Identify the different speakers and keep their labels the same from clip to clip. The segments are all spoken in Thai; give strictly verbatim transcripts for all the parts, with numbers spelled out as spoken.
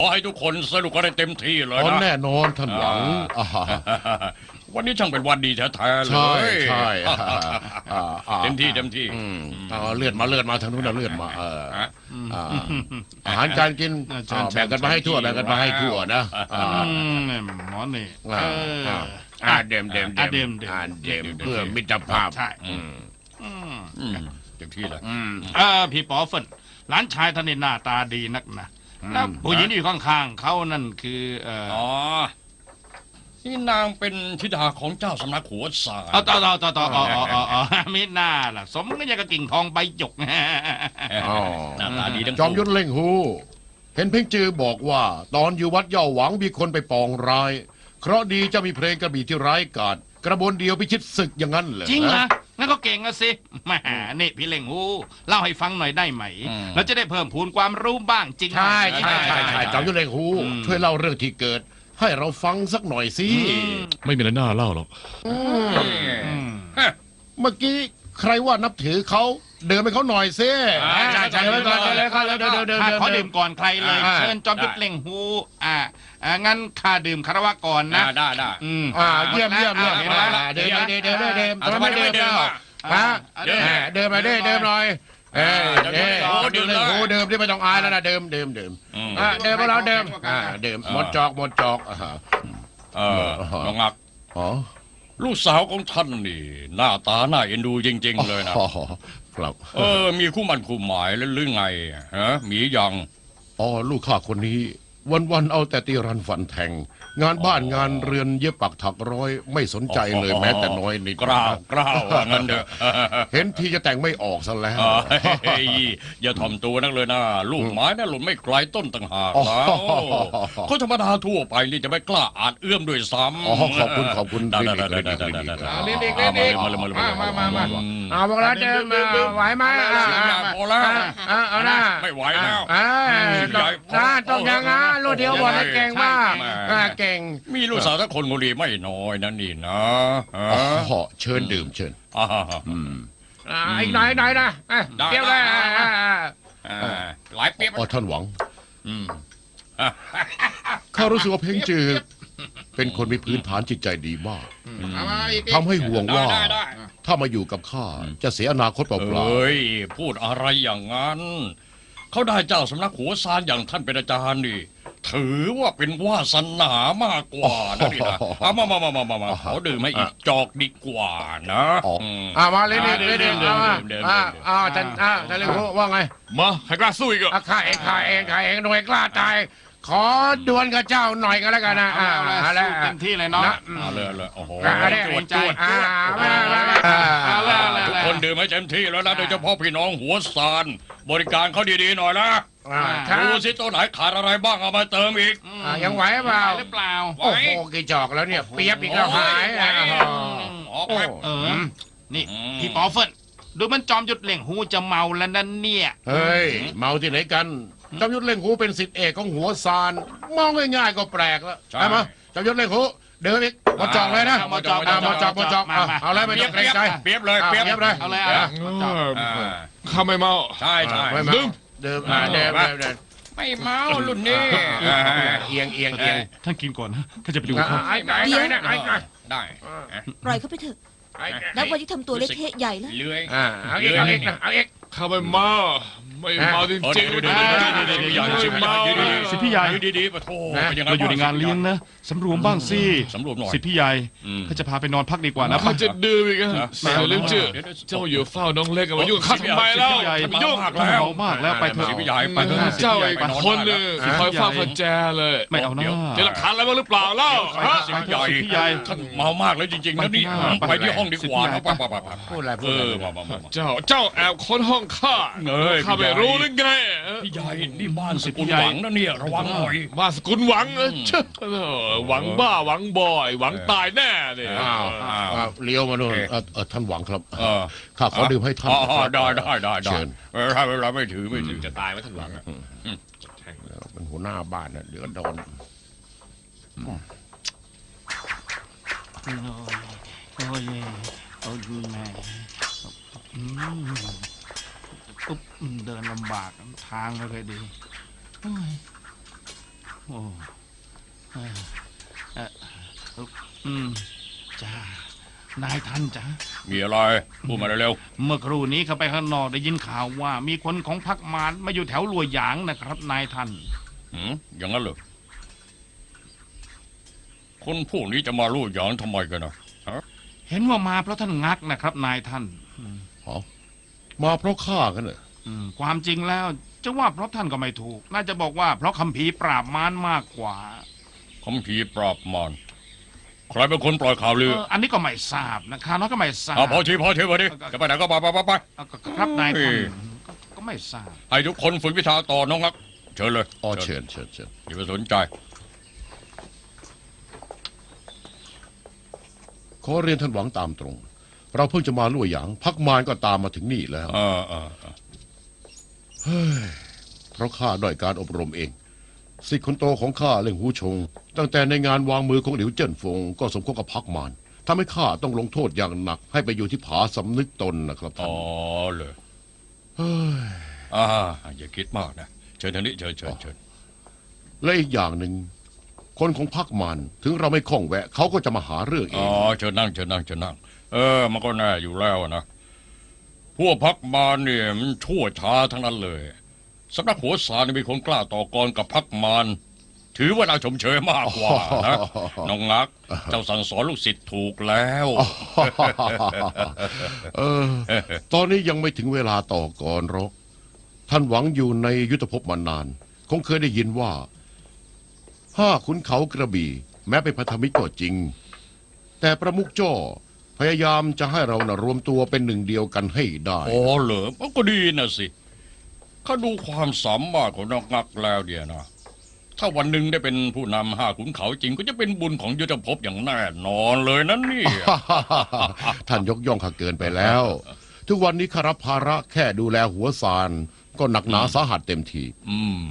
Speaker 1: อให้ทุกคนสนุกกันได้เต็มที่เลยนะ
Speaker 2: แน่นอนท่านหวัง
Speaker 1: วันนี้ช่างเป็นวันดีแท้ๆเลย
Speaker 2: ใช่ใช่
Speaker 1: เต็มที่เต็มที่
Speaker 2: เลือดมาเลือดมาทางนู้นเลือดมาอาหารการกินแบ่งกันมาให้ทั่วแบ่งกันมาให้ทั่วนะ
Speaker 3: หมอนี่
Speaker 2: เดิมเดิมเดิมเดิมเดิมเพื่อมิตรภาพ
Speaker 3: ใช่
Speaker 1: เต็มที่เลย
Speaker 3: อ่าพี่ป๋อเฟินหลานชายท่านนี่หน้าตาดีนักนะแล้วผู้หญิงที่อยู่ข้างๆเขานั่นคือ
Speaker 1: อ๋อนี่นางเป็นธิดาของเจ้าสำนักหัวสาย
Speaker 3: อ๋อต่อต่อต่อต่ออ๋ออ๋ออ๋อไม่น่าล่ะสมก็ยังกระกิ่งทองใบหยก
Speaker 1: อ๋อหน้าตาดีทั้ง
Speaker 2: จอมยุทธเล่งหูเห็นเพ่งจือบอกว่าตอนอยู่วัดเย่าหวังมีคนไปปองร้ายเคราะดีจะมีเพลงกระบี่ที่ร้ายกาจกระบวนเดียวพิชิตศึกอย่างนั้นเลย
Speaker 3: จริงนะงั้นก็เก่งอะสิแหมนี่พี่เล่งหูเล่าให้ฟังหน่อยได้ไหมเราจะได้เพิ่มพูนความรู้บ้างจริง
Speaker 2: ใช่ใช่ใช่ใช่จอมยุทธเล่งหูช่วยเล่าเรื่องที่เกิดให้เราฟังสักหน่อยสิ
Speaker 4: ไม่มีอะไรน่าเล่าหรอก
Speaker 2: เมื่อกี้ใครว่านับถือเขาเดินไปเขาหน่อยสิ
Speaker 3: ใช่ใช่เดินก่อนเลยครับเดินเดินเดินขอดื่มก่อนใครเลยเชิญจอมยุทธเล่งหูอ่างั้นข้าดื่มคารวะก่อนนะ
Speaker 1: ได้ได้
Speaker 3: อืม
Speaker 2: อ่าเยี่ยมเยี่ยมเยี่ยมเดินเดินเดินเดินเดินทำไมเดินเดินฮะเดินเดินมาเดินเดินหน่อยเออเดินเดินโอ้เดิมที่ไม่ต้องอายแล้วนะเดิมเดิมเดิมอ่าเดิมพวกเราเดิมอ่าเดิมหมดจอกหมดจอก
Speaker 1: เออน้องอัก
Speaker 2: อ๋อ
Speaker 1: ลูกสาวของท่านนี่หน้าตาน่าเอ็นดูจริงๆเลยนะครับเออมีคู่มันคู่หมายแล้วหรือไงฮะมียัง
Speaker 2: อ๋อลูกข้าคนนี้วันๆเอาแต่ตีรันฝันแทงงานบ้านงานเรือนเย็บปักถักร้อยไม่สนใจเลยแม้แต่น้อยนิด
Speaker 1: กล้าวกล้าวงั้นเด้อ
Speaker 2: เห็นทีจะแต่งไม่ออกซะแล้ว
Speaker 1: อย่าถ่อมตัวนักเลยนะลูกไม้น่ะหล่นไม่ไกลต้นต่างหากแล้วคนธรรมดาทั่วไปนี่จะไม่กล้าอาจเอื้อมด้วยซ้ำ
Speaker 2: อ๋อขอบคุณขอบคุณ
Speaker 1: ได้ได้ได้ได้
Speaker 2: ได้เด็กๆเด็กๆมาเลยมาเลยมามามาเอาพวกเราเดินไหวไหม
Speaker 1: พอแล้ว
Speaker 2: เอาหน้า
Speaker 1: ไม่ไหวแล้ว
Speaker 2: น้าต้องอย่างงั้นลูกเดียววันเก่งมากเก่ง
Speaker 1: มีลูกสาวสักคนคนดีไม่น้อยนั่นนี่นะ
Speaker 2: อ๋อเชิญดื่มเชิญ
Speaker 1: อืม
Speaker 2: อีกหน่อยหน่อยนะเปรี้ยวเลย
Speaker 1: หลายเปรี้ยว
Speaker 2: อ๋อท่านหวังข้ารู้สึกว่าเพ่งจือเป็นคนมีพื้นฐานจิตใจดีมากทำให้ห่วงว่าถ้ามาอยู่กับข้าจะเสียอนาคตเปล่าๆ
Speaker 1: เฮ้ยพูดอะไรอย่างนั้นเขาได้เจ้าสำนักหัวซานอย่างท่านเป็นอาจารย์นี่ถือว่าเป็นวาสนามากกว่านะนี่นะเอามามามามามามาขอดื่มให้อีกจอกดีกว่านะ
Speaker 2: อ่ามาเลยนี่เลยเดินเดินเดินอ่าอ่าท่านอ่าท่านเลยว่าไง
Speaker 4: มาใครกล้าสู้อีกอ่ะ
Speaker 2: ข้าเองข้าเองข้าเองหน่วยกล้าตายขอดวลกับเจ้าหน่อยก็แล้วกันนะอ่า
Speaker 3: แล้วเต็มที่เลยเนาะ
Speaker 1: เอาเลยเลยโอ้โห
Speaker 3: จวดใจ
Speaker 2: อ่า
Speaker 1: ทุกคนดื่มให้เต็มที่แล้วนะโดยเฉพาะพี่น้องหัวซานบริการเขาดีๆหน่อยนะดูสิตัวไหนขาดอะไรบ้างเอามาเติมอีก
Speaker 2: ยังไหวเปล่า
Speaker 3: หรือเปล่า
Speaker 2: โอ้โหกี่จอกแล้วเนี่ยเปียบอีกแล้วหาย
Speaker 3: เออนี่พี่ปอเฟินดูมันจอมยุทธเล่งหูจะเมาแล้วนั่นเนี่ย
Speaker 2: เฮ้ยเมาที่ไหนกันจอมยุทธเล่งหูเป็นศิษย์เอกของหัวซานมองง่ายๆก็แปลกแล้วใช่ไหมจอมยุทธเล่งหูเดินอีกหมดจอกเลยนะ
Speaker 3: หมดจอก
Speaker 2: หมดจอกหมดจอกเอาเลยไม่ต้องเกรงใจ
Speaker 1: เปียบเลยเปียบ
Speaker 2: เลย
Speaker 3: เอาเลย
Speaker 4: ข้าไม่เมา
Speaker 1: ใช่ใช่
Speaker 2: ดื่มดื่มเดิมเดิม
Speaker 1: ไม่เมารุ่นนี้
Speaker 2: เอียงเอียงเอียง
Speaker 3: ท่านกินก่อนนะข้าจะไปดูเขา
Speaker 1: เดี๋ยวได้
Speaker 5: ปล่อยเขาไปเถอะแล้ววันที่ทำตัวเละเทะใหญ่แล้ว
Speaker 1: เลื้อย
Speaker 2: เอาอีกเอาอีกเอาอีก
Speaker 4: ข้าไม่เมาไม่เมาจริงๆ
Speaker 1: เลย
Speaker 4: ไม่เมา
Speaker 3: สิพี่ใหญ่
Speaker 1: ดีๆปะโถ
Speaker 3: เราอยู่ในงานเลี้ยงนะสำรวมบ้างสิ
Speaker 1: สำรวมหน่อย
Speaker 3: สิพี่ใหญ่เขาจะพาไปนอนพักดีกว่านะ
Speaker 4: ข้าจะดื่มอีกอ่ะเสียเรื่องชื่อเจ้าอยู่เฝ้าน้องเล็กมายุ่งข้าทำไมแล้ว
Speaker 3: มายุ่งแล้วเมามากแล้วไปเถอะ
Speaker 1: พี่ใหญ่ไปเถ
Speaker 4: อะเจ้าอีกคนนึงคอยเฝ้าคนแจเลย
Speaker 3: ไม่เอาหน้า
Speaker 4: เจอหลักฐานอะไรบ้างหรือเปล่าเล่า
Speaker 1: พี่ใหญ่พี่ใหญ่ท่านเมามากแล้วจริงๆนะนี่ไปที่ห้องดีกว่าไปไปไป
Speaker 2: พูดอะไรพูด
Speaker 4: เจ้าเจ้าแอบค้นห้องข้าข้าไม่รู้หรือไง
Speaker 1: พี่ใหญ่นี่บ้านสกุลหวังนะเนี่ยระวังหน่อย
Speaker 4: บ้านสกุลหวังเช่หวังบ้าหวังบ่อยหวังตายแน่เนี่ย
Speaker 2: เลี้ยวมาโน่นท่านหวังครับข้าขอดื่มให้ท่าน
Speaker 1: ได้ได้ได้เชิญถ้าเวลาไม่ถือไม่ถือ
Speaker 4: จะตายไหมท่านหวัง
Speaker 2: เป็นหัวหน้าบ้านนะเดือดร้อน
Speaker 3: โอ้ยโอ้ยแม่ปุ๊บเดินลำบากทางก็เลยดีโอ้เอ่อเอ่ออืมจ้านายท่านจ้า
Speaker 1: มีอะไรพูดมาเร็ว
Speaker 3: เมื่อครู่นี้เขาไปข้างนอกได้ยินข่าวว่า มีคนของพรรคมารมาอยู่แถวลัวหยางนะครับ นายท่าน
Speaker 1: ๆหืมอย่างนั้นเหรอคนพวกนี้จะมาลู่หยางทำไมกันนะฮะ
Speaker 3: เห็นว่ามาเพราะท่านงักนะครับ นายท่าน
Speaker 2: มาเพราะข้ากันเหรอ
Speaker 3: อืมความจริงแล้วจะว่าเพราะท่านก็ไม่ถูก น่าจะบอกว่าเพราะคัมภีร์ปราบมารมากกว่า
Speaker 1: คำพีร์ปราบมารใครเป็นคนปล่อยข่าวลือ
Speaker 3: เอออันนี้ก็ไม่ทราบนะข้าน้อยก็ไม่ทราบ
Speaker 1: เอาพอทีพอทีพอทีจะไปไหนก็ไปไปไปไป
Speaker 3: เอาก็ครับนายท่าน
Speaker 1: เฮ้ย
Speaker 3: ก็ก็ไม่ทราบ
Speaker 1: ให้ทุกคนฝึกวิชาต่อน้องรักเชิญเลย
Speaker 2: อ๋อเชิญเชิญเชิญ
Speaker 1: อย่าไปสนใจ
Speaker 2: ขอเรียนท่านหวังตามตรง เราเพิ่งจะมาลู่หยางพักมารก็ตามมาถึงนี่แล้ว
Speaker 1: เออเออเออ
Speaker 2: เฮ้ยเพราะข้าด้อยการอบรมเองสิทธิ์คนโตของข้าเล่งหูชง ตั้งแต่ในงานวางมือของหลิวเจิ้นฟงก็สมคบกับพักมารทำให้ข้าต้องลงโทษอย่างหนัก ให้ไปอยู่ที่ผาสำนึกตนนะครับท่า
Speaker 1: อ๋
Speaker 2: น
Speaker 1: อเลย
Speaker 2: เฮ้ย
Speaker 1: อ่าอย่าคิดมากนะเชิญทางนี้เชิญเชิญเชิญ
Speaker 2: และอีกอย่างหนึ่งคนของพักมารถึงเราไม่คล่องแวะเขาก็จะมาหาเรื่องเอ
Speaker 1: อ๋อง เชิญนั่งเชิญนั่งเชิญนั่งเออมันก็แน่อยู่แล้วนะพวกพักมารเนี่ยมันชั่วช้าทั้งนั้นเลยสำนักหัวสารนี่มีคนกล้าต่อกรกับพักมารถือว่าเราชมเชยมากกว่านะน้องงัก เจ้าสั่งสอนลูกศิษย์ถูกแล้ว
Speaker 2: เออ ตอนนี้ยังไม่ถึงเวลาต่อกรหรอกท่านหวังอยู่ในยุทธภพมานาน คงเคยได้ยินว่า ห้าขุนเขากระบี่ แม้เป็นพันธมิตรก็จริง แต่ประมุขจ้อพยายามจะให้เรานะรวมตัวเป็นหนึ่งเดียวกันให้ได้
Speaker 1: อ๋อเหรอมันก็ดีนะสิข้าดูความสามารถของน้องงักแล้วเดียนะถ้าวันหนึ่งได้เป็นผู้นำห้าขุนเขาจริงก็จะเป็นบุญของยุทธภพอย่างแน่นอนเลยนั่นนี่
Speaker 2: ท่านยกย่องข้าเกินไปแล้ว ทุกวันนี้ข้ารับภาระแค่ดูแลหัวซานก็หนักหนาสาหัสเต็มที
Speaker 1: อืม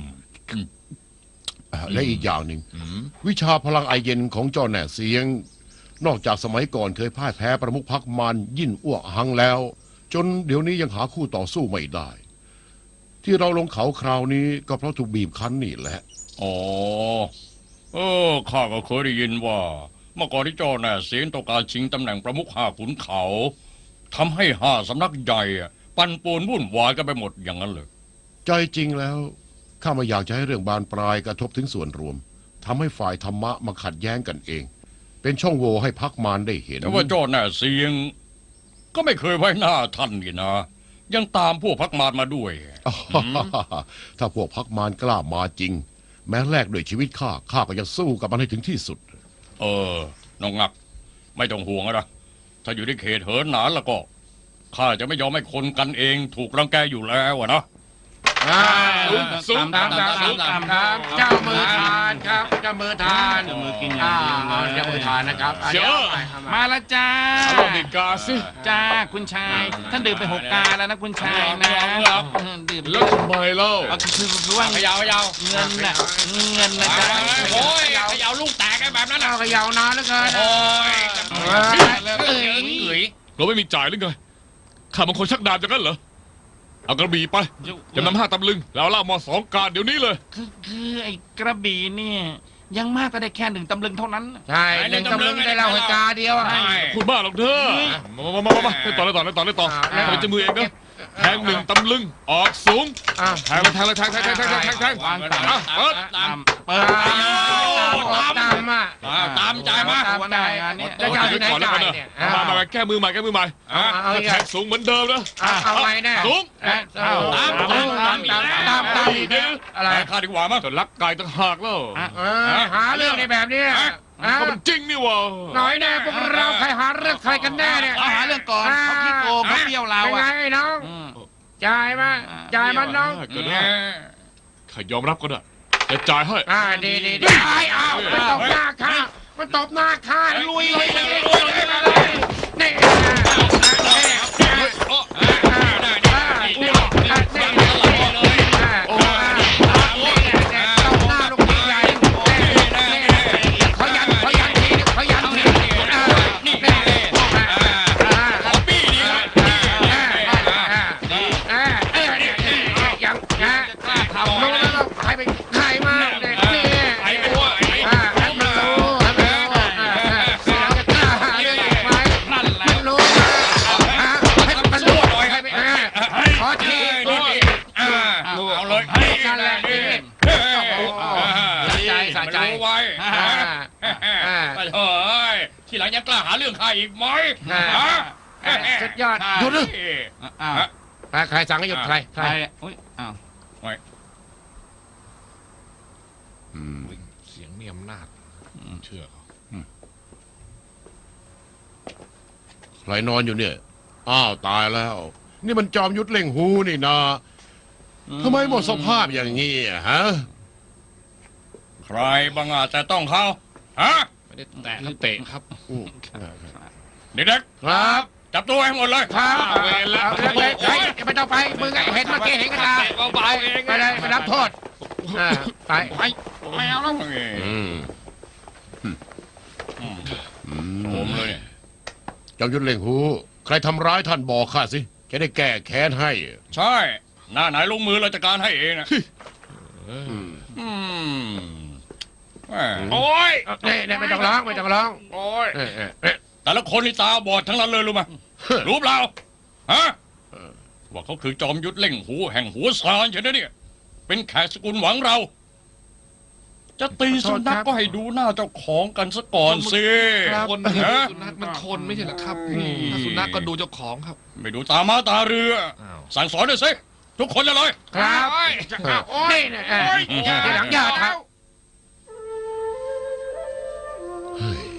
Speaker 2: และอีกอย่างหนึ่ง
Speaker 1: อืม
Speaker 2: วิชาพลังไอเย็นของเจ้าแหน่เสียง นอกจากสมัยก่อนเคยพ่ายแพ้ประมุขพรรคมารยิ่นอ้วกหังแล้ว จนเดี๋ยวนี้ยังหาคู่ต่อสู้ไม่ได้ ที่เราลงเขาคราวนี้ก็เพราะถูกบีบคั้นนี่แหละ
Speaker 1: อ๋อเออข้าก็เคยได้ยินว่า เมื่อก่อนที่เจ้าแน่เสียงต้องการชิงตำแหน่งประมุขห้าขุนเขาทำให้ห้าสำนักใหญ่อะปั่นป่วนวุ่นวายกันไปหมดอย่างนั้นเลย
Speaker 2: ใจจริงแล้วข้าไม่อยากจะให้เรื่องบานปลายกระทบถึงส่วนรวมทำให้ฝ่ายธรรมะมาขัดแย้งกันเอง เป็นช่องโหว่ให้พรรคมารได้เห็น
Speaker 1: แต่ว่าเจ้าแน่เสียง ก็ไม่เคยไว้หน้าท่านนี่นะ ยังตามพวกพักมารมาด้วย
Speaker 2: ถ้าพวกพรรคมารกล้ามาจริง แม้แลกด้วยชีวิตข้าข้าก็จะสู้กับมันให้ถึงที่สุด
Speaker 1: เออ น้องงัก ไม่ต้องห่วงนะถ้าอยู่ในเขตเหินหนานแล้วก็ข้าจะไม่ยอมให้คนกันเองถูกรังแกอยู่แล้วอะนะ
Speaker 4: สูง
Speaker 3: ตามตามตามตามตาม
Speaker 2: เจ้ามือทานครับเจ้ามือทาน
Speaker 3: เจ้ามือกินอย่างเดียวเลย
Speaker 2: เจ้ามือทานนะครับ
Speaker 4: เดี๋ยว
Speaker 3: มาละจ้า
Speaker 4: เอาลงดีกาสิ
Speaker 3: จ้าคุณชาย ท่านดื่มไปหกกาแล้วนะคุณชายนะดื่ม
Speaker 4: แล้วทำไมเล่า
Speaker 3: เอาคือคือว่า
Speaker 1: ขยาวขยาว
Speaker 3: เงินน่ะเงินนะจ้า
Speaker 1: โอ้ยขยาวลูกแตกไอ้แบบนั้นนะ
Speaker 2: เอาขยาวนานแล้วเกิน
Speaker 1: โอ้ย
Speaker 3: เอ้ย
Speaker 1: เอ๋ย
Speaker 4: เราไม่มีจ่ายหรือไงข้าบางคนชักดาบจากนั้นเหรอเอากระบี่ไปจำนำห้าตำลึงแล้วเล่ามาสองการเดี๋ยวนี้เลย
Speaker 3: คือคือไอ้กระบี่เนี่ยยังมากก็ได้แค่หนึ่งตำลึงเท่านั้น
Speaker 2: ใช่หนึ่งตำลึงได้เล่าให้กาเดียวอะ
Speaker 4: พูดบ้าหรอกเธอมามามามาเล่นต่อเล่นต่อเล่นต่อเล่นต่อทำเป็นจมือเองนะแทงหนึ่งตำลึงออกสูง
Speaker 2: อ่ะ
Speaker 4: แทงเลยแทงเลยแทงแทงแทงแทงแทงแทง
Speaker 3: วางตาม
Speaker 4: อ่ะเปิด
Speaker 3: ตามเปิด
Speaker 2: ตามตามอ่ะ
Speaker 1: ตามใจมา
Speaker 3: ตามได้งานนี้
Speaker 2: จะเอาที่ไหน
Speaker 4: ก่อนแล้ว
Speaker 2: จ่า
Speaker 4: กั
Speaker 2: ย
Speaker 4: น
Speaker 2: เนี่ย
Speaker 4: นะมามาแก้มือใหม่แก้มือใหม่
Speaker 2: เอาเอา
Speaker 4: แทงสูงเหมือนเดิมนะ
Speaker 2: เอาเอาไงแน่
Speaker 4: สูง
Speaker 2: เอา
Speaker 1: ตาม
Speaker 2: ตามตามตามตามตาม
Speaker 4: เดี๋ยว
Speaker 2: อะไร
Speaker 1: ไปข้าดีกว่ามั้ง
Speaker 4: จะรักกายต่างหากแล้ว
Speaker 2: เออหาเรื่องในแบบนี้อ่ะ
Speaker 4: เขาเป็นจริงนี่วะ
Speaker 2: หน่อยแน่พวกเราใครหาเรื่องใครกันแน่เนี่ย
Speaker 3: เอาหาเรื่องก่อนเขาขี้โกงเขาเปรี้ยวเรา
Speaker 2: เป็นไง
Speaker 3: อ่ะ
Speaker 2: น้อง
Speaker 3: อืม
Speaker 2: จ่ายมาจ่ายมันน้อง
Speaker 4: เกิดได้ข้ายอมรับก็ได้จะจ่ายให้
Speaker 2: อ่าดีดีดีไอ้อ้าวมันตบหน้าข้ามันตบหน้าข้าลุยเลยลุยเลยนี่ใครเป็นใครมาเนี่ยนี่ะใจ
Speaker 1: รู้ไว้
Speaker 2: อ่า อ่า
Speaker 1: ไปเฮ้ยทีหลังยังกล้าหาเรื่องข้าอีกไหม
Speaker 2: อ่า
Speaker 1: ฮะ
Speaker 2: สุดยอดหยุดเลย
Speaker 3: อ้าว
Speaker 2: ใครสั่งให้หยุดใครใค
Speaker 3: ใค
Speaker 2: ร
Speaker 3: รอุ้ยอ้าว
Speaker 2: อืม
Speaker 4: เสียงมีอำนาจเชื่อเขา
Speaker 2: ใครนอนอยู่เนี่ยอ้าวตายแล้ว นี่มันจอมยุทธเล่งหูนี่นะทำไมหมดสภาพอย่างนี้อะฮะ
Speaker 1: ใครบังอาจแต่ต้องเขาฮะ
Speaker 4: ไม่ได้แตะครับเตะครับ
Speaker 2: อืม
Speaker 1: เด็ก
Speaker 2: ครับ
Speaker 1: ๆจับตัวให้หมดเลย
Speaker 2: ครับ
Speaker 4: เอาเวรแล้ว
Speaker 2: เอาเลยเฮ้ยไม่ต้องไปมึงอะเห็นเมื่อกี้เห็นกันตา
Speaker 4: เบาๆเอง
Speaker 2: ไปเลยไปรับโทษอ่าไป
Speaker 3: ไปไม่เอาแล้ว
Speaker 2: อืม
Speaker 1: อืม
Speaker 2: อืม
Speaker 1: ผมเลยเนี่ย
Speaker 2: จอมยุทธเล่งหูใครทำร้ายท่านบอกข้าสิจะได้แก้แค้นให้
Speaker 1: ใช่ หน้าไหนลงมือเราจัดการให้เองนะ
Speaker 2: อืม
Speaker 1: อืมแหม
Speaker 4: โอ้ย
Speaker 2: นี่นี่ไม่ต้องร้องไม่ต้องร้อง
Speaker 4: โอ้ย
Speaker 2: เอ้ยเอ้ยเอ้ย
Speaker 1: แต่ละคนนี่ตาบอดทั้งนั้นเลยรู้ไหมรู้เปล่าฮะว่าเขาคือจอมยุทธเล่งหูแห่งหัวซานใช่ไหมเนี่ย เป็นแขกสกุลหวังเรา จะตีสุนัขก็ให้ดูหน้าเจ้าของกันซะก่อนสิ
Speaker 4: คนนี่
Speaker 1: ฮะ
Speaker 4: สุนัขมันคนไม่ใช่เหรอครับถ้าสุนัขก็ดูเจ้าของครับ
Speaker 1: ไม่ดูตามาตาเรือ
Speaker 4: อ้าว
Speaker 1: สั่งสอนด้วยสิทุกคนเลยเลย
Speaker 2: ครับ
Speaker 3: จะเอาโอ้ย
Speaker 2: นี่นะเอ้ยทีหลังอย่าทำเฮ้ย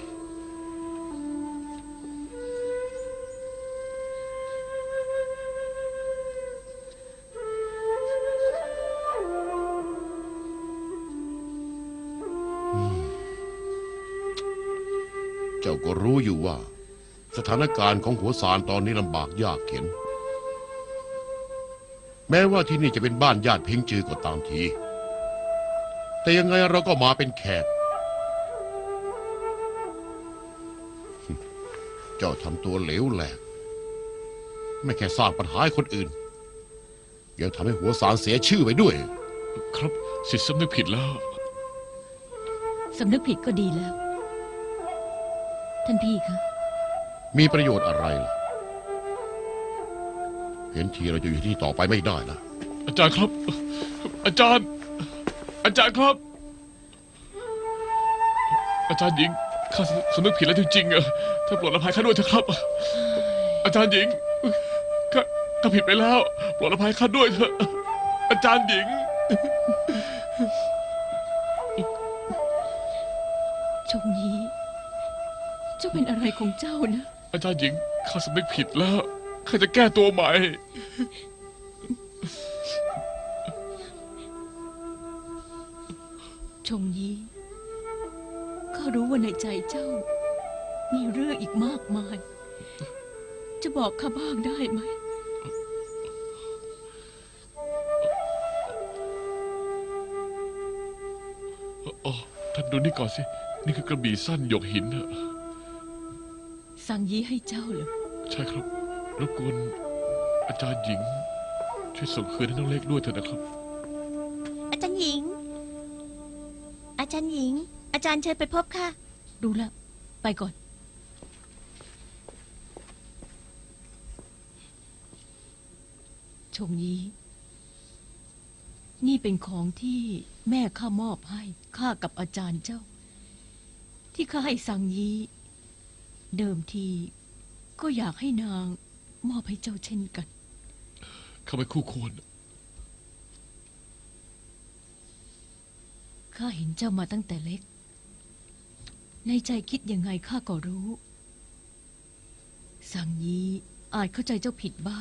Speaker 2: เจ้าก็รู้อยู่ว่า สถานการณ์ของหัวสารตอนนี้ลำบากยากเข็ญแม้ว่าที่นี่จะเป็นบ้านญาติเพ่งจือก็ตามที แต่ยังไงเราก็มาเป็นแขก เจ้าทำตัวเหลวแหลก ไม่แค่สร้างปัญหาให้คนอื่น ยังทำให้หัวสารเสียชื่อไปด้วย
Speaker 4: ครับสิทธิ์สำนึกผิดแล้ว
Speaker 5: สำนึกผิดก็ดีแล้ว ท่านพี่คะ
Speaker 2: มีประโยชน์อะไรล่ะ เห็นทีเราจะอยู่ที่นี่ต่อไปไม่ได้นะ
Speaker 4: อาจารย์ครับ อาจารย์ อาจารย์ครับ อาจารย์หญิงข้าสำนึกผิดแล้วจริงๆอะถ้าโปรดอภัยข้าด้วยเถอะครับ อาจารย์หญิงข้าข้าผิดไปแล้วโปรดอภัยข้าด้วยเถอะอาจารย์หญิง
Speaker 5: ชงยีเจ้าเป็นอะไรของเจ้านะ
Speaker 4: อาจารย์หญิงข้าสำนึกผิดแล้วข้าจะแก้ตัวใหม่
Speaker 5: ชงยีข้ารู้ว่าในใจเจ้า มีเรื่องอีกมากมาย จะบอกข้าบ้างได้ไหม
Speaker 4: อ๋อท่านดูนี่ก่อนสิ นี่คือกระบี่สั้นหยกหินอะ
Speaker 5: สั่งยีให้เจ้าเหรอ
Speaker 4: ใช่ครับรบกวนอาจารย์หญิง ช่วยส่งคืนให้น้องเล็กด้วยเถอะนะครับ
Speaker 6: อาจารย์หญิง อาจารย์หญิง อาจารย์เชิญไปพบค่ะ
Speaker 5: รู้แล้ว ไปก่อน ชงยี นี่เป็นของที่แม่ข้ามอบให้ข้ากับอาจารย์เจ้า ที่ข้าให้สั่งยี เดิมทีก็อยากให้นางมอบให้เจ้าเช่นกัน
Speaker 4: เข้าไปคู่ควร
Speaker 5: ข้าเห็นเจ้ามาตั้งแต่เล็ก ในใจคิดยังไงข้าก็รู้ สั่งยีอาจเข้าใจเจ้าผิดบ้าง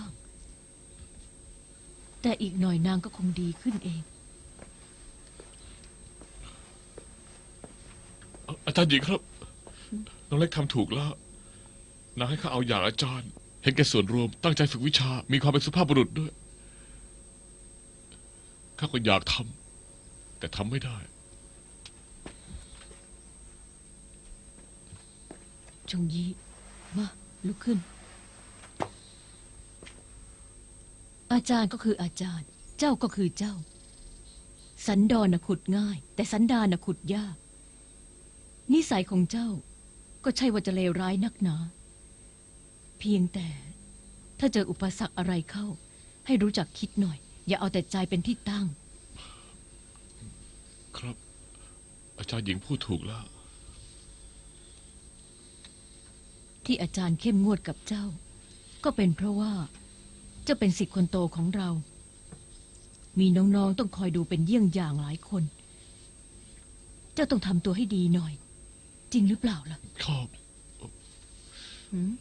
Speaker 5: แต่อีกหน่อยนางก็คงดีขึ้นเอง
Speaker 4: อาจารย์หญิงครับ น้องเล็กทำถูกแล้วนางให้ข้าเอาอย่างอาจารย์ เห็นแก่ส่วนรวมตั้งใจฝึกวิชา มีความเป็นสุภาพบุรุษด้วยข้าก็อยากทำแต่ทำไม่ได้
Speaker 5: ชงยี มาลุกขึ้น อาจารย์ก็คืออาจารย์ เจ้าก็คือเจ้า สันดอนน่ะขุดง่าย แต่สันดานน่ะขุดยาก นิสัยของเจ้า ก็ใช่ว่าจะเลวร้ายนักหนา เพียงแต่ ถ้าเจออุปสรรคอะไรเข้า ให้รู้จักคิดหน่อย อย่าเอาแต่ใจเป็นที่ตั้ง
Speaker 4: ครับอาจารย์หญิงพูดถูกแล้ว
Speaker 5: ที่อาจารย์เข้มงวดกับเจ้า ก็เป็นเพราะว่าเจ้าเป็นศิษย์คนโตของเรา มีน้องๆต้องคอยดูเป็นเยี่ยงอย่างหลายคน เจ้าต้องทำตัวให้ดีหน่อย จริงหรือเปล่าล่ะ
Speaker 4: ครับ
Speaker 5: หืม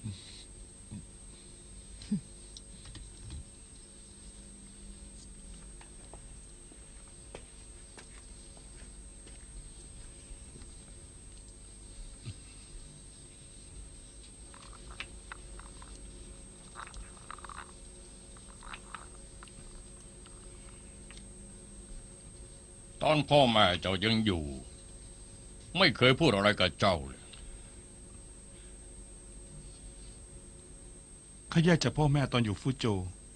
Speaker 1: ตอนพ่อแม่เจ้ายังอยู่ ไม่เคยพูดอะไรกับเจ้าเลย
Speaker 7: ข้าแยกจากพ่อแม่ตอนอยู่ฟูโจว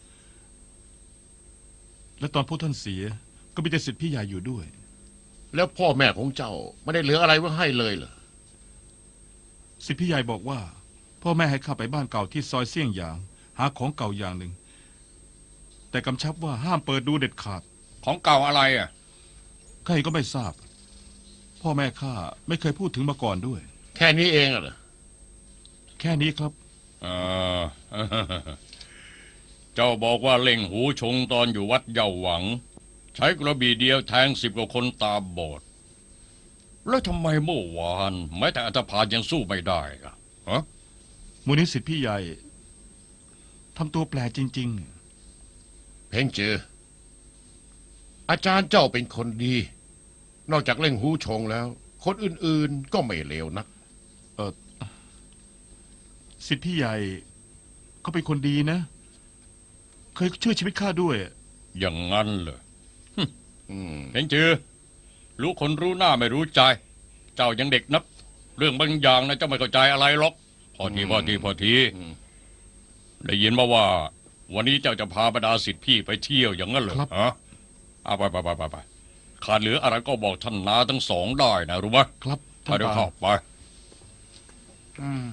Speaker 7: และตอนพวกท่านเสีย ก็มีแต่สิทธิพี่ใหญ่อยู่ด้วย
Speaker 2: แล้วพ่อแม่ของเจ้าไม่ได้เหลืออะไรไว้ให้เลยเหรอ
Speaker 7: สิทธิพี่ใหญ่บอกว่า พ่อแม่ให้ข้าไปบ้านเก่าที่ซอยเสี่ยงหยาง หาของเก่าอย่างหนึ่ง แต่กำชับว่าห้ามเปิดดูเด็ดขาด
Speaker 1: ของเก่าอะไรอ่ะ
Speaker 7: ข้าเองก็ไม่ทราบ พ่อแม่ข้าไม่เคยพูดถึงมาก่อนด้วย
Speaker 2: แค่นี้เองเหรอ
Speaker 7: แค่นี้ครับ
Speaker 1: เออ เจ้าบอกว่าเล่งหูชงตอนอยู่วัดเยาหวัง ใช้กระบี่เดียวแทงสิบกว่าคนตาบอด แล้วทำไมเมื่อวานแม้แต่อัตภานยังสู้ไม่ได้ล่ะฮะ
Speaker 7: มูลนิสิทธิพี่ใหญ่ทำตัวแปลกจริง
Speaker 2: เพ่งเจอ อาจารย์เจ้าเป็นคนดี นอกจากเล่งหูชงแล้ว คนอื่นๆก็ไม่เลวนัก
Speaker 7: ๆ สิทธิพี่ใหญ่เขาเป็นคนดีนะ เคยช่วยชีวิตข้าด้วย
Speaker 1: อย่างนั้นเหรอ
Speaker 2: อืม
Speaker 1: เห็นจือรู้คนรู้หน้าไม่รู้ใจ เจ้ายังเด็กนัก เรื่องบางอย่างนะเจ้าไม่เข้าใจอะไรหรอก พอทีพอทีพอที
Speaker 2: อืม
Speaker 1: ได้ยินมาว่า วันนี้เจ้าจะพาบรรดาศิษย์พี่ไปเที่ยวอย่างนั้นเหรอ
Speaker 7: ครับ
Speaker 1: ฮะเอาไปไปไปไปไปขาดเหลืออะไรก็บอกท่านนาทั้งสองได้นะรู้ไหม
Speaker 7: ครับ
Speaker 1: ไปเดี๋ยวเข้าไป
Speaker 3: อืม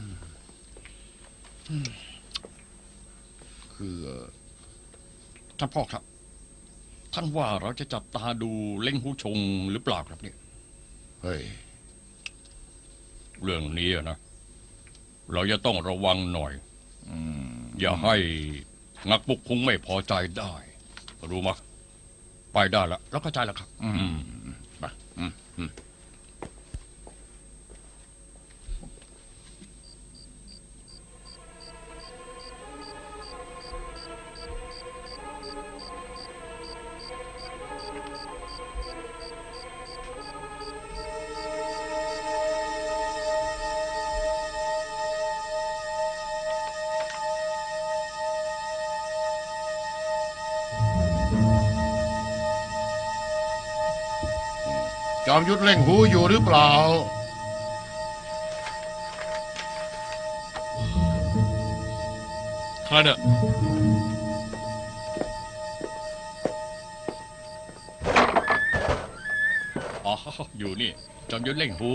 Speaker 2: คือ
Speaker 1: ท่านพ่อครับ ท่านว่าเราจะจับตาดูเล่งหูชงหรือเปล่าครับเนี่ย
Speaker 2: เฮ้ย
Speaker 1: เรื่องนี้อะนะ เราจะต้องระวังหน่อย อย่าให้งักปุกคุงไม่พอใจได้ รู้มั้ยไปได้แล้วแล้วเข้าใจแล้วครับ อืม
Speaker 2: ไปอืมอืม จอมยุทธเล่งหูอยู่หรือเปล่า
Speaker 4: ใครเนี่ย
Speaker 1: อ๋อ อยู่นี่ จอมยุทธเล่งหู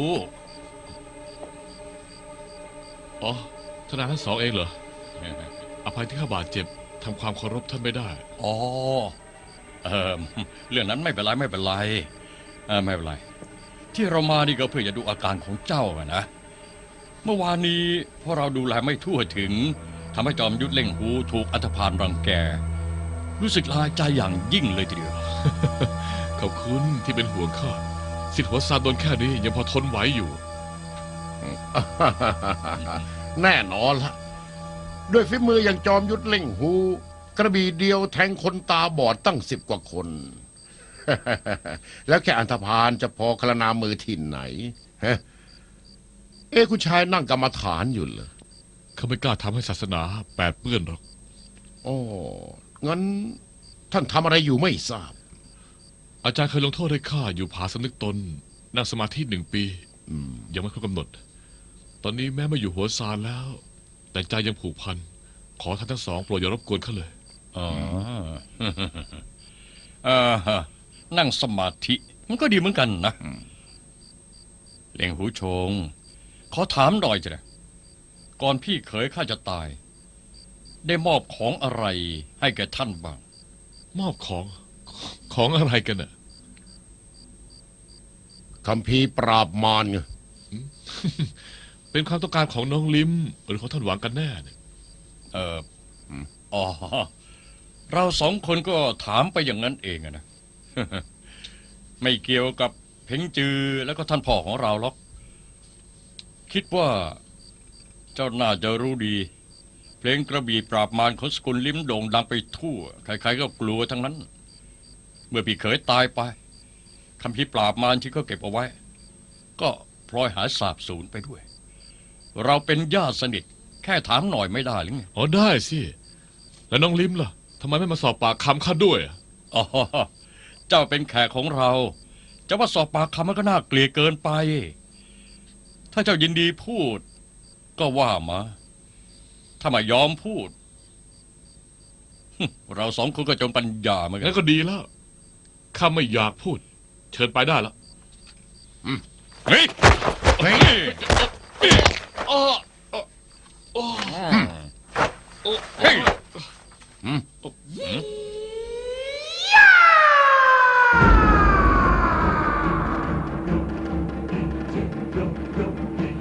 Speaker 4: อ๋อทนายทั้งสองเองเหรอ อภัยที่ข้าบาดเจ็บทำความเคารพท่านไม่ได้
Speaker 1: อ๋อ เออเรื่องนั้นไม่เป็นไรไม่เป็นไรเออไม่เป็นไร ที่เรามานี่ก็เพื่อจะดูอาการของเจ้าอะนะ เมื่อวานนี้พอเราดูแลไม่ทั่วถึงทำให้จอมยุทธเล่งหูถูกอัตภานรังแก รู้สึกลายใจอย่างยิ่งเลยทีเดียว
Speaker 4: ขอบคุณที่เป็นห่วงข้าสิทธิ์หัวซานโดนแค่นี้ยังพอทนไหวอยู่
Speaker 2: แน่นอนละด้วยฝีมืออย่างจอมยุทธเล่งหู กระบี่เดียวแทงคนตาบอดตั้งสิบกว่าคน แล้วแค่อันธพาลจะพอคลนามือที่ไหนฮะเอ้คุณชายนั่งกรรมฐานอยู่เหรอ
Speaker 4: เขาไม่กล้าทำให้ศาสนาแปดเปื้อนหรอก
Speaker 2: โอ้งั้นท่านทำอะไรอยู่ไม่ทราบ
Speaker 4: อาจารย์เคยลงโทษให้ข้าอยู่ผาสำนึกตน นั่งสมาธิหนึ่งปี
Speaker 2: อืม
Speaker 4: ยังไม่ครบกำหนด ตอนนี้แม้ไม่อยู่หัวซานแล้ว แต่ใจยังผูกพัน ขอท่านทั้งสองโปรดอย่ารบกวนเขาเลย
Speaker 1: อ๋อ เออนั่งสมาธิ มันก็ดีเหมือนกันนะเล่งหูชง ขอถามหน่อยจ้ะก่อนพี่เขยข้าจะตาย ได้มอบของอะไรให้แก่ท่านบ้าง
Speaker 4: มอบของ ของอะไรกันน่ะ
Speaker 2: คัมภีร์ปราบมารไง
Speaker 4: เป็นความต้องการของน้องลิมหรือของท่านหวังกันแน่เนี่ย
Speaker 1: เอออ๋อเราสองคนก็ถามไปอย่างนั้นเองอะนะ ไม่เกี่ยวกับเพ่งจือแล้วก็ท่านพ่อของเราหรอกคิดว่าเจ้าน่าจะรู้ดี เพลงกระบี่ปราบมารของสกุลลิ้มโด่งดังไปทั่วใครๆก็กลัวทั้งนั้น เมื่อพี่เขยตายไปคำพิปราบมารที่เขาเก็บเอาไว้ ก็พลอยหายสาบสูญไปด้วย เราเป็นญาติสนิทแค่ถามหน่อยไม่ได้หรือไง
Speaker 4: อ๋อได้สิแล้วน้องลิมล่ะทำไมไม่มาสอบปากคำข้าด้วยอะ
Speaker 1: อ๋อเจ้าเป็นแขกของเราจะว่าสอบปากคำมันก็น่าเกลียดเกินไป ถ้าเจ้ายินดีพูด ก็ว่ามา ถ้าไม่ยอมพูด เราสองคนก็จนปัญญาเหมือนกั
Speaker 4: งั้
Speaker 1: น
Speaker 4: นก็ดีแล้วข้าไม่อยากพูด เชิญไปได้แล้ว
Speaker 1: เฮ้ย